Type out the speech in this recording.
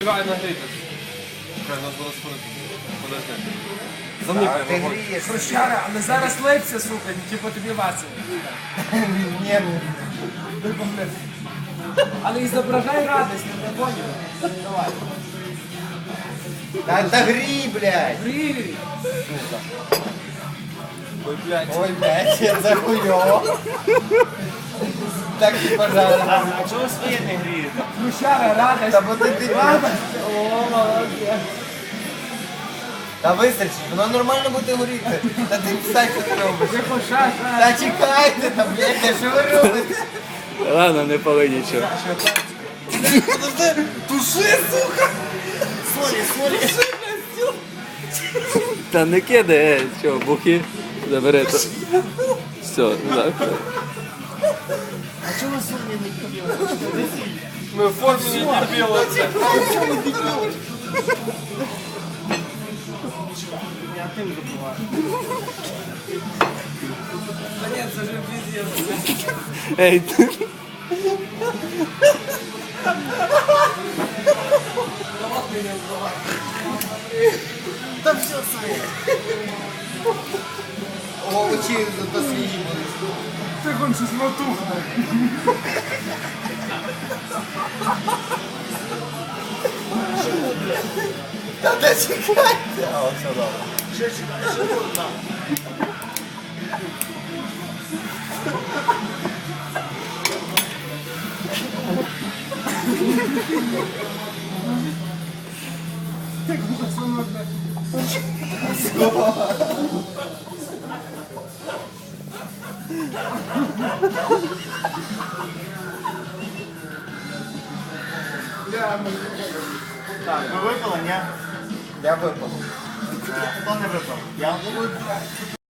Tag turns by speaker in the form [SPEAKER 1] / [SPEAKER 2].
[SPEAKER 1] Давай нагріти. Чекай, нас зараз спорити. Подожди.
[SPEAKER 2] Ти
[SPEAKER 1] Заникай.
[SPEAKER 2] грієш.
[SPEAKER 3] Хрущара, але зараз липся, сука, типу тобі васив.
[SPEAKER 2] Ні,
[SPEAKER 3] Але і зображай радість, не поняв. Давай.
[SPEAKER 2] та грій, блядь.
[SPEAKER 3] Привіт.
[SPEAKER 1] Ой, блядь.
[SPEAKER 2] Ой, блядь, я захуйово. Так і пожалуйста.
[SPEAKER 4] А чого ви своє не грієте?
[SPEAKER 3] Хрущара, радість.
[SPEAKER 2] Та бо ти дебіл.
[SPEAKER 3] О, молодець.
[SPEAKER 2] Та вистачить, воно нормально буде горіти. Та ти встань, що ти робиш.
[SPEAKER 3] Тихо, ша.
[SPEAKER 2] Та чекайте, та блядь, що ви робите?
[SPEAKER 4] Ладно, не пали нічого.
[SPEAKER 2] Туши, сука!
[SPEAKER 4] Та не кидай, що, бухи забере то. Все, так.
[SPEAKER 1] Ми в формі не дебіли.
[SPEAKER 3] Та ні, це ж піздець.
[SPEAKER 4] Ей, ти.
[SPEAKER 2] Та все своє. О, очі зато свіжі були.
[SPEAKER 3] Ти кончиш матухне.
[SPEAKER 2] Та де чекайте? А, все добре.
[SPEAKER 4] Ви випили, ні?
[SPEAKER 2] Я випав.
[SPEAKER 4] Хто не випив? Я?